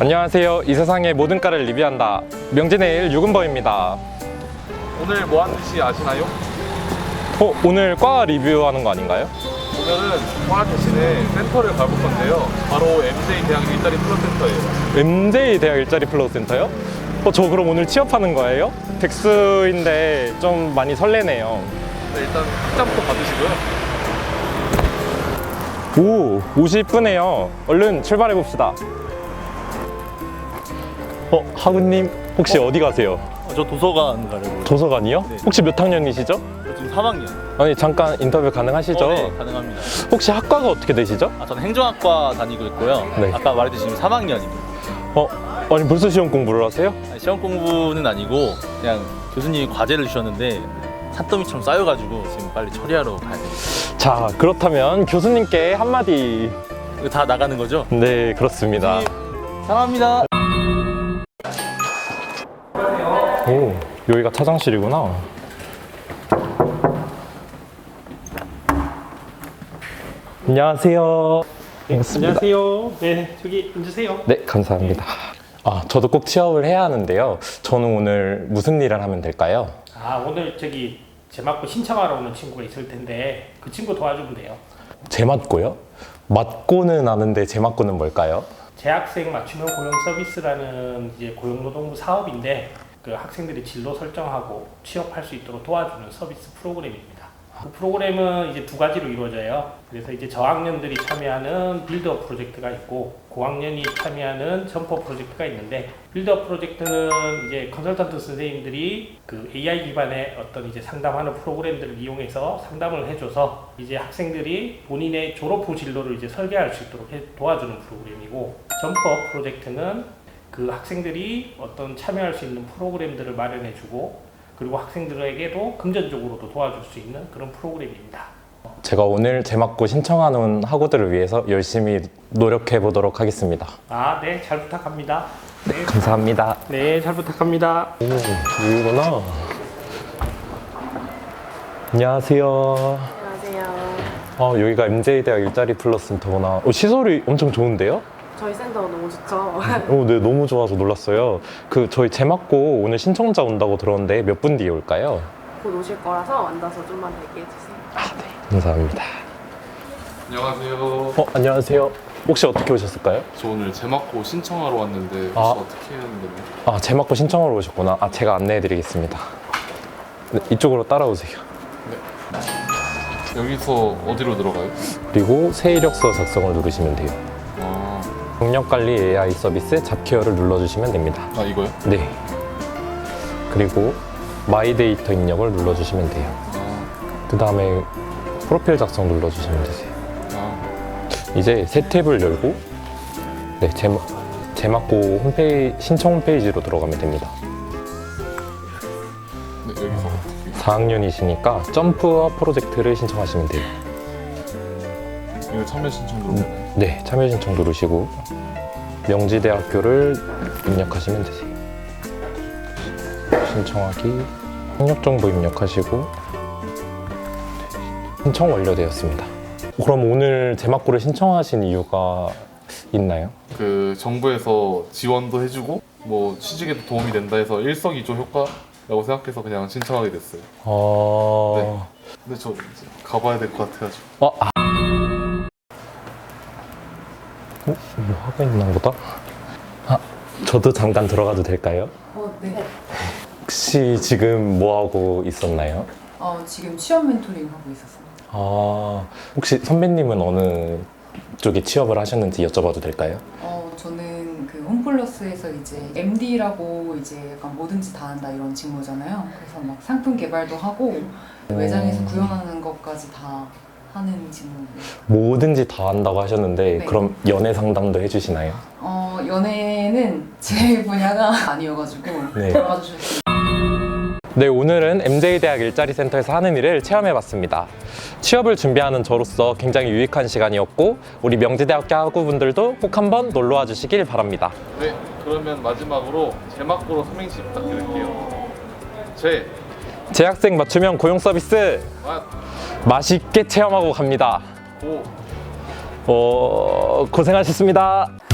안녕하세요. 이 세상의 모든 과를 리뷰한다. 명진에일 유근버입니다. 오늘 뭐 하는지 아시나요? 오늘 과 리뷰하는 거 아닌가요? 오늘은 과 대신에 센터를 가볼 건데요. 바로 MJ 대학 일자리 플러 센터예요. MJ 대학 일자리 플러우 센터요? 저 그럼 오늘 취업하는 거예요? 백수인데 좀 많이 설레네요. 네, 일단 학장부터 받으시고요. 오, 옷이 이쁘네요. 얼른 출발해 봅시다. 하구님 혹시 어디 가세요? 저 도서관 가려고. 도서관이요? 네. 혹시 몇 학년이시죠? 저 지금 3학년. 아니 잠깐 인터뷰 가능하시죠? 네, 가능합니다. 혹시 학과가 어떻게 되시죠? 저는 행정학과 다니고 있고요. 네. 아까 말했듯이 지금 3학년입니다. 아니 벌써 시험 공부를 하세요? 시험 공부는 아니고 그냥 교수님이 과제를 주셨는데 산더미처럼 쌓여가지고 지금 빨리 처리하러 가야 돼요. 자, 그렇다면 교수님께 한마디. 이거 다 나가는 거죠? 네, 그렇습니다. 사랑합니다. 오, 여기가 차장실이구나. 안녕하세요. 반갑습니다. 안녕하세요. 네, 저기 앉으세요. 네, 감사합니다. 저도 꼭 취업을 해야 하는데요. 저는 오늘 무슨 일을 하면 될까요? 오늘 저기 제맞고 신청하러 오는 친구가 있을 텐데 그 친구 도와주면 돼요. 제맞고요? 맞고는 아는데 제맞고는 뭘까요? 재학생 맞춤형 고용 서비스라는 이제 고용노동부 사업인데 그 학생들이 진로 설정하고 취업할 수 있도록 도와주는 서비스 프로그램입니다. 그 프로그램은 이제 두 가지로 이루어져요. 그래서 이제 저학년들이 참여하는 빌드업 프로젝트가 있고 고학년이 참여하는 점퍼 프로젝트가 있는데 빌드업 프로젝트는 이제 컨설턴트 선생님들이 그 AI 기반의 어떤 이제 상담하는 프로그램들을 이용해서 상담을 해줘서 이제 학생들이 본인의 졸업 후 진로를 이제 설계할 수 있도록 도와주는 프로그램이고 점퍼 프로젝트는 그 학생들이 어떤 참여할 수 있는 프로그램들을 마련해주고 그리고 학생들에게도 금전적으로도 도와줄 수 있는 그런 프로그램입니다. 제가 오늘 제맞고 신청하는 학우들을 위해서 열심히 노력해 보도록 하겠습니다. 네, 잘 부탁합니다. 네, 감사합니다. 네, 잘 부탁합니다. 오, 여기구나. 안녕하세요. 안녕하세요. 여기가 MJ대학 일자리 플러스 센터구나. 시설이 엄청 좋은데요? 저희 센터 너무 좋죠? 네, 너무 좋아서 놀랐어요. 저희 제맞고 오늘 신청자 온다고 들었는데 몇 분 뒤에 올까요? 곧 오실 거라서 앉아서 좀만 대기해주세요. 네, 감사합니다. 안녕하세요. 안녕하세요. 혹시 어떻게 오셨을까요? 저 오늘 제맞고 신청하러 왔는데 혹시 어떻게 해야 하는 건가요? 제맞고 신청하러 오셨구나. 제가 안내해 드리겠습니다. 네, 이쪽으로 따라오세요. 여기서 어디로 들어가요? 그리고 새 이력서 작성을 누르시면 돼요. 경력관리 AI 서비스 잡케어를 눌러주시면 됩니다. 이거요? 네. 그리고 마이 데이터 입력을 눌러주시면 돼요. 그 다음에 프로필 작성 눌러주시면 되세요. 이제 새 탭을 열고 네, 제맞고 홈페이지, 신청 홈페이지로 들어가면 됩니다. 네, 여기서 어떻게? 4학년이시니까 점프업 프로젝트를 신청하시면 돼요. 이거 참여 신청 누르나요? 네, 참여 신청 누르시고 명지대학교를 입력하시면 되세요. 신청하기, 학력정보 입력하시고 신청 완료되었습니다. 그럼 오늘 제맞고를 신청하신 이유가 있나요? 그 정부에서 지원도 해주고 뭐 취직에도 도움이 된다 해서 일석이조 효과라고 생각해서 그냥 신청하게 됐어요. 네. 근데 저 이제 가봐야 될 것 같아가지고. 뭐 하고 있나 보다? 저도 잠깐 들어가도 될까요? 네. 혹시 지금 뭐 하고 있었나요? 지금 취업 멘토링 하고 있었습니다. 혹시 선배님은 어느 쪽에 취업을 하셨는지 여쭤봐도 될까요? 저는 그 홈플러스에서 이제 MD라고 이제 약간 뭐든지 다 한다 이런 직무잖아요. 그래서 막 상품 개발도 하고 매장에서 구현하는 것까지 다 하는 직무입니다. 뭐든지 다 한다고 하셨는데 네. 그럼 연애 상담도 해주시나요? 연애는 제 분야가 아니어가지고 네. 들어가 주셨어요. 네, 오늘은 MJ대학 일자리센터에서 하는 일을 체험해봤습니다. 취업을 준비하는 저로서 굉장히 유익한 시간이었고 우리 명지대학교 학우분들도 꼭 한번 놀러와 주시길 바랍니다. 네, 그러면 마지막으로 제맞고로 삼행시 부탁드릴게요. 재학생 맞춤형 고용 서비스 맛있게 체험하고 갑니다. 고생하셨습니다.